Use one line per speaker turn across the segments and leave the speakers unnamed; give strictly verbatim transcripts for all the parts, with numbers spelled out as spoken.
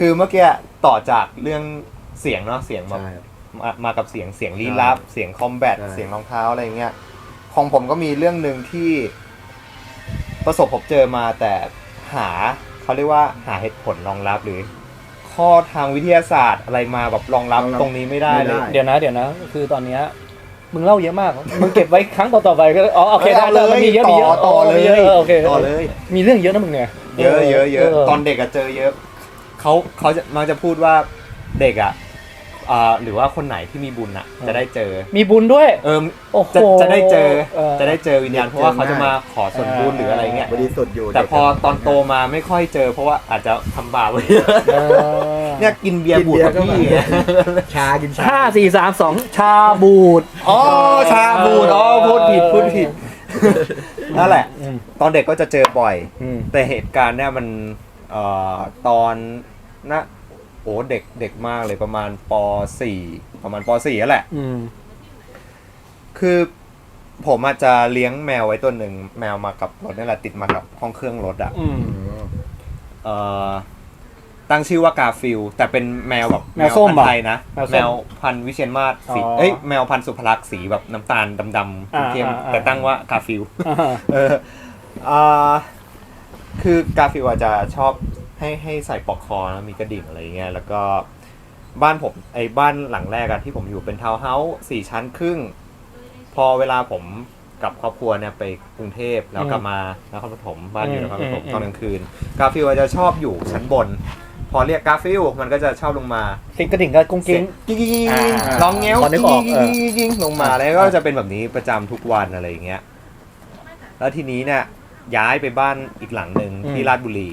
คือเมื่อกี้ต่อจากเรื่องเสียงเนาะเสียงแบบมามากับเสียงเสียงลี้ลับเสียงคอมแบทเสียงรองเท้าอะไรเงี้ยของผมก็มีเรื่องหนึ่งที่ประสบพบเจอมาแต่หาเขาเรียกว่าหาเหตุผลรองรับหรือข้อทางวิทยาศาสตร์อะไรมาแบบรองรับตรงนี้ไม่ได้เลย
เดี๋ยวนะเดี๋ยวนะคือตอนเนี้ยมึงเล่าเยอะมากมึงเก็บไว้ครั้งต่อๆไปก็อ๋อโอเคได้เลยมันมีเยอะมีเยอะ
ต่อเลย
โอเค
ต่อเลย
มีเรื่องเยอะนะมึงเนี่ย
เยอะเยอะเยอะตอนเด็กอะเจอเยอะเขาเขาจะมักจะพูดว่าเด็กอะอ่าหรือว่าคนไหนที่มีบุญอะจะได้เจอ
มีบุญด้วย
เออจะจะได้เจอจะได้เจอวิญญาณเพราะว่าเขาจะมาขอส่วนบุญหรืออะไรเงี้ย
บริสุทธิ์อยู่
แต่พอตอนโตมาไม่ค่อยเจอเพราะว่าอาจจะทำบาปไว้เนี่ยกินเบียร์บูดกับพี่
ชากินชา
ห้าสี่สามสองชาบูด
อ๋อชาบูดอ๋อพูดผิดพูดผิดนั่นแหละตอนเด็กก็จะเจอบ่อยแต่เหตุการณ์เนี่ยมันเอ่อตอนนะโอ้เด็กเด็กมากเลยประมาณป.สี่ ประมาณป.สี่ นั่นแหละคือผมอาจจะเลี้ยงแมวไว้ตัวหนึ่งแมวมากับรถนี่แหละติดมากับห้องเครื่องรถอ่ะเอ่อตั้งชื่อว่ากาฟิลแต่เป็นแมวแบบ
แมวส้ม
ไทยนะแมวพันธุ์วิเชียรมาศสีเอ้ยแมวพันธุ์สุภลักษณ์สีแบบน้ำตาลดำๆเข้มแต่ตั้งว่ากาฟิลเอออ่าคือกาฟิลอาจจะชอบให้ให้ใส่ปลอกคอแล้วมีกระดิ่งอะไรเงี้ยแล้วก็บ้านผมไอ้บ้านหลังแรกอะที่ผมอยู่เป็นทาวน์เฮาส์สี่ชั้นครึ่งพอเวลาผมกับครอบครัวเนี่ยไปกรุงเทพแล้วกลับมานครปฐมบ้านอยู่นครปฐมตอนกลางคืนกาฟิลจะชอบอยู่ชั้นบนพอเรียกกาฟิลมันก็จะชอบลงมา
สิงกระดิ่งก็กุ้งกิ้ง
ร้องเงี้ยวกิ้งลงมาแล้วก็จะเป็นแบบนี้ประจำทุกวันอะไรอย่างเงี้ยแล้วทีนี้เนี่ยย้ายไปบ้านอีกหลังหนึ่งที่ราชบุรี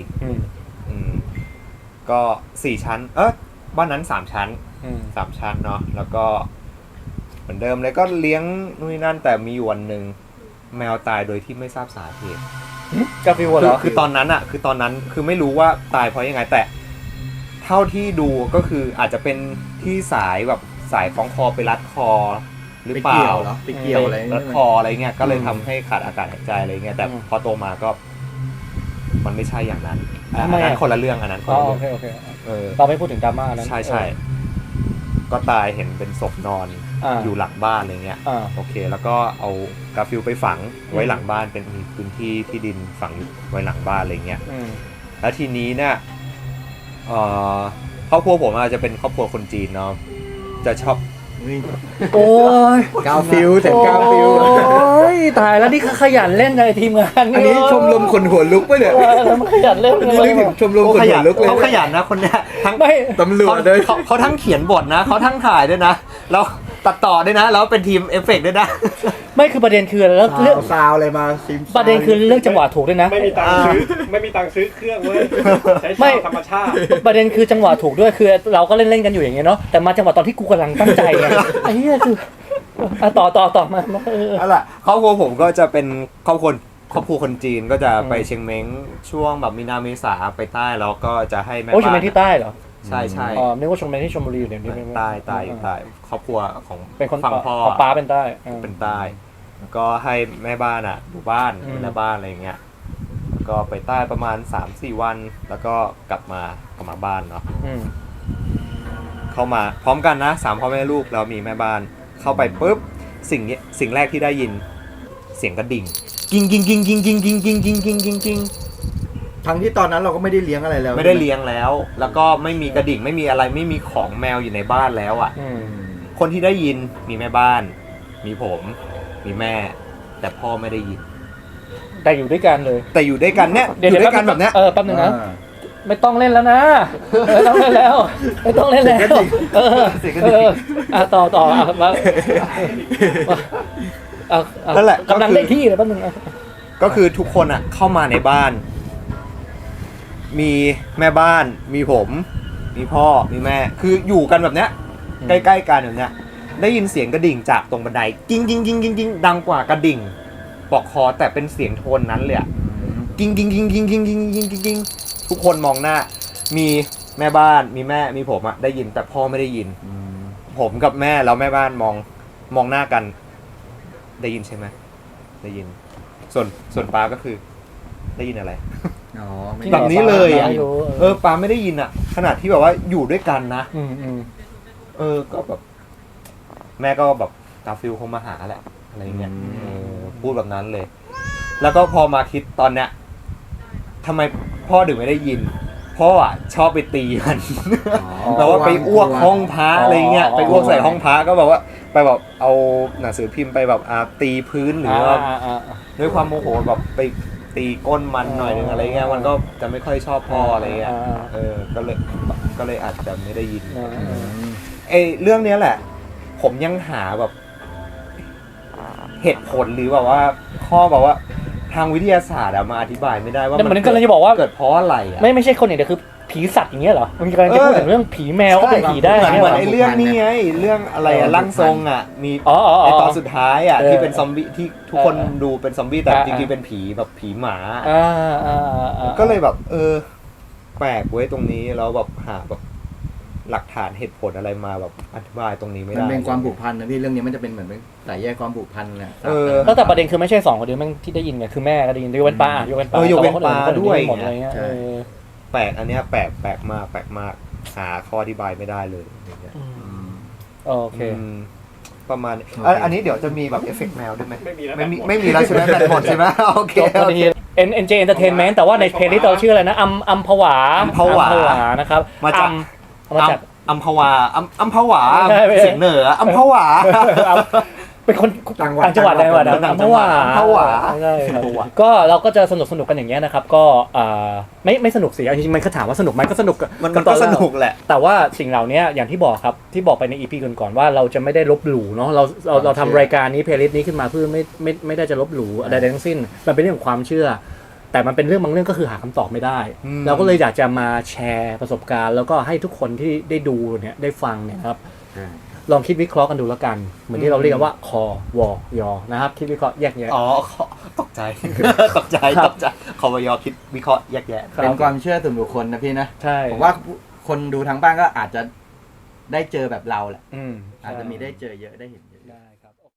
ก็สี่ชั้นเออบ้านนั้นสามชั้นสามชั้นเนาะแล้วก็เหมือนเดิมเลยก็เลี้ยงนู่นนั่นแต่มีวันหนึ่งแมวตายโดยที่ไม่ทราบสาเหตุ
กาฟิวเหรอ
คือตอนนั้นอะคือตอนนั้นคือไม่รู้ว่าตายเพราะยังไงแต่เท่าที่ดูก็คืออาจจะเป็นที่สายแบบสายคล้องคอไปรัดคอหรือเปล่า
ไปเกี่ยวอะไร
รัดคออะไรเงี้ยก็เลยทำให้ขาดอากาศหายใจอะไรเงี้ยแต่พอโตมาก็มันไม่ใช่อย่างนั้นอันนั้นคนละเรื่องอันนั้นคนละเรื่อง
โอเคโอเคเออเราไม่พูดถึงดราม่านั้น
ใช่ใช่ก็ตายเห็นเป็นศพนอนอยู่หลังบ้านอะไรเงี้ยโอเคแล้วก็เอากาฟิลไปฝังไว้หลังบ้านเป็นมีพื้นที่ที่ดินฝังไว้หลังบ้านอะไรเงี้ยแล้วทีนี้เนี่ยครอบครัวผมอาจจะเป็นครอบครัวคนจีนเนาะจะชอบ
โอ้ย
กาฟิลแต่กาฟิล
โอ้ยตายแล้วนี่ขยันเล่นในทีมงาน
อันนี้ชมรมคนหัวลุกป่ะเนี่ย
ขยันเล่น
นี่นึกถึงชมรมคนหัวลุกเลย
เขาขยันนะคนเนี้ยทั้ง
ตำรวจเลย
เขาทั้งเขียนบทนะเขาทั้งถ่ายด้วยนะแล้วตัดต่อด้วยนะแล้วเป็นทีมเอฟเฟกต์ด้วยนะ
ไม่คือประเด็นคือแล้ว
เรื่องซาวอะไรมาซิม
ประเด็นคือเรื่องจังหวะถูกด้วยนะ
ไม่มีตังค์ซื้อไม่มีตังค์ซื้อเครื่องเว้ยใช้ชาวธรรมชาติ
ประเด็นคือจังหวะถูกด้วยคือเราก็เล่นเล่นกันอยู่อย่างเงี้ยเนาะแต่มาจังหวะตอนที่กูกำลังตั้งใจไงไอ้เหี้ยคือต่อต่อต่อมา
นั่นแหละครอบครัวผมก็จะเป็นครอบครัวครอบครัวคนจีนก็จะไปเชียงเม้งช่วงแบบมีนาเมษาไปใต้แล้วก็จะให้แม่บ้าน
โอ้เชียงเม้งที่ใต้เหรอ
ใช่ใช่
อ๋อนึกว่าเชียงเม้งที่ชลบุรีอยู่เนี่ย
ใต้ใต้อยู่ใต้ครอบครัวของ
เป็นคน
ฝั่งพ่อ
ป้าเป็นใต้
เป็นใต้ก็ให้แม่บ้านอ่ะดูบ้านแม่บ้านอะไรอย่างเงี้ยแล้วก็ไปใต้ประมาณ สามสี่ วันแล้วก็กลับมากลับมาบ้านเนาะเข้ามาพร้อมกันนะสามพ่อแม่ลูกแล้วมีแม่บ้านเข้าไปปุ๊บสิ่งนี้สิ่งแรกที่ได้ยินเสียงกระดิ่งกิ้งกิ้งกิ้งกิ้งกิ้งกิ้งกิ้งกิ้งกิ้งกิ้งกิ้ง
ทั้งที่ตอนนั้นเราก็ไม่ได้เลี้ยงอะไรแล้ว
ไม่ได้เลี้ยงแล้วแล้วก็ไม่มีกระดิ่งไม่มีอะไรไม่มีของแมวอยู่ในบ้านแล้วอ่ะคนที่ได้ยินมีแม่บ้านมีผมมีแม่แต่พ่อไม่ได้ยิน
แต่อยู่ด้วยกันเลย
แต่อยู่ด้วยกันเนี่ยอยู่ด้วยกันแบบเนี้ย
เออแป๊บนึงนะไม่ต้องเล่นแล้วนะไม่ต้องเล่นแล้วไม่ต้องเล่นแล้วเออเอออ่ะต่อต่ออ่ะมา
นั่นแหละ
กำลังได้ที่เลยแป๊บนึง
ก็คือทุกคนอ่ะเข้ามาในบ้านมีแม่บ้านมีผมมีพ่อมีแม่คืออยู่กันแบบเนี้ยใกล้ๆกันแบบเนี้ยได้ยินเสียงกระดิ่งจากตรงบันไดกิ้งกิ้งกิ้งกิ้งกิ้งดังกว่ากระดิ่งปลอกคอแต่เป็นเสียงโทนนั้นเลยอ่ะกิ้งกิ้งกิ้งกิ้งกิ้งกิ้งกิ้งกิ้งกิ้งทุกคนมองหน้ามีแม่บ้านมีแม่มีผมอ่ะได้ยินแต่พ่อไม่ได้ยินผมกับแม่แล้วแม่บ้านมองมองหน้ากันได้ยินใช่ไหมได้ยินส่วนส่วนป้าก็คือได้ยินอะไร
อ๋อไม่
ที่
แบบนี้เลยอ่ะ
ไม่รู้
เออปาไม่ได้ยินอ่ะ ขนาดที่แบบว่าอยู่ด้วยกันนะ
อืมอืม
เออก็แบบ แม่ก็แบบกาฟิลคงมาหาแหละอะไรเงี้ยเออพูดแบบนั้นเลย แล้วก็พอมาคิดตอนเนี้ยทำไมพ่อถึงไม่ได้ยิน พ่ออ่ะชอบไปตีมัน แบบว่าไปอ้วกห้องพระอะไรเงี้ยไปอ้วกใส่ห้องพระก็แบบว่าไปแบบเอาหนังสือพิมพ์ไปแบบอ่าตีพื้นหรือว่า
อ่าอ่าอ่า
ด้วยความโมโหแบบไปตีก้นมันหน่อยนึงอะไรเงี้ยมันก็จะไม่ค่อยชอบพ่ออะไรเงี้ย
อ่า
เออก็เลยก็เลยอาจจะไม่ได้ยิน
อ่า
ไอเรื่องเนี้ยแหละ ผมยังหาแบบ เหตุผลหรือแบบว่าข้อแบบว่าทางวิทยาศาสตร์อะมาอธิบายไม่ได้ว่า
แต่เหมือน
เกิ
กำลังจะบอกว่า
เกิดเพราะอะไรอะ
ไม่ไม่ใช่คนอย่างเดียวคือผีสัตว์อย่างเงี้ยเหรอมันกำลังจะพูดถึงเรื่องผีแมวก็เป็นผีได้
เหมือน
เนี่ย
เห
เห
มื
ร
อน
อ
ไอเรื่องนี้ไงเรื่องอะไรอะร่างทรงอะมี
อ๋ออ๋อ
ไอ
อ๋อ
ตอนสุดท้ายอะ
เออ
ที่เป็นซอมบี้ที่ทุกคน
เออ
ดูเป็นซอมบี้แต่
อ่า
จริงๆเป็นผีแบบผีหมา
อ่าอ่าอ่าอ่า
ก็เลยแบบ เออ แปลกไว้ยตรงนี้แล้วแบบหาแบบหลักฐานเหตุผลอะไรมาแบบอธิบายตรงนี้ไม่
มัน
ได้
เป็นความผูกพันนะพี่เรื่องนี้มันจะเป็นเหมือนเป็นสายแยกความผูกพันนะ
เออ
แล้วแต่ประเด็นคือไม่ใช่สองคนเดียวแม่งที่ได้ยินไงคือแม่ก็ได้ยินยกเว้นป้ายกเว้นป้า
เออยกเว้น
แต่คอื่
ป้า
คนอื่น
ด้วย
หมดอะไรเงี้ยเออ
แปลกอันเนี้ยแปลกแปลกมากแปลกมากหาข้ออธิบายไม่ได้เลยอย่างเงี้ย
อืม
อืม
โอเค
อืมประมาณนี้
โอเค
อ่ะอันนี้เดี๋ยวจะมีแบบเอฟเฟกต์แมวด้วยไหม
ไม่มีแล้ว
ไม่มี
แบตหมด
ไม่มีแล้วใช่ไหมแบตหมดใช่ไหมโอเค
จบพอดี N N J Entertainment แต่ว่าในเพลย์ลิสต์เราชื่ออะไรนะอัมอัมพวา
อัมพวา
อัมนะครับ
มาจาก
อัมเอามาจาก
อัมพวาอัมอัมพวา
ไม่ใช่ไม่ใช่
เสียงเหนืออัมพวา
อัมเป็นคน
ต่างจังหวัด
ต่างจังหวัดอะไรวะนะ
ต่า
อั
ง
ม
จั
พ
งหวั
วา
ดอัมพวา
ใช่ครับ
อัมพวา
ก็เราก็จะสนุกสนุกกันอย่างเงี้ยนะครับ ก็อ่าไม่ไม่สนุกสิจริงๆมันก็ถามว่าสนุกไหมก็สนุก
มัน
กั
มัน
ต
ก็
อแร
สนุกแหละ
แต่ว่าสิ่งเหล่านี้อย่างที่บอกครับที่บอกไปในอีพีก่อนๆว่าเราจะไม่ได้ลบหลู่เนาะเราเราเราทำรายการนี้เพลย์ลิสต์นี้ขึ้นมาเพื่อไม่ไม่ไม่ได้จะลบหลู่อะไรใดทั้งสิ้นมันเป็นเรื่องของความเชื่อ แต่มันเป็นเรื่องบางเรื่องก็คือหาคำตอบไม่ได้
อืม
เราก็เลยอยากจะมาแชร์ประสบการณ์ แล้วก็ให้ทุกคนที่ได้ดูเนี่ยได้ฟังเนี่ยครับลองคิดวิเคราะห์กันดูแล้วกัน เหมือนที่เราเรียกกันว่าคอวอยอนะครับคิดวิเคราะห์แยกแยะ
อ๋อตกใจ ตกใจ
ครับ
ตกใจคอวยอคิดวิเคราะห์แยกแยะ
ครับ
เป็นความเชื่อส่วนบุคคลนะพี่นะ
ใช่
ผมว่าคนดูทางบ้านก็อาจจะได้เจอแบบเราแหละ
อืม
อาจจะมีได้เจอเยอะได้เห็น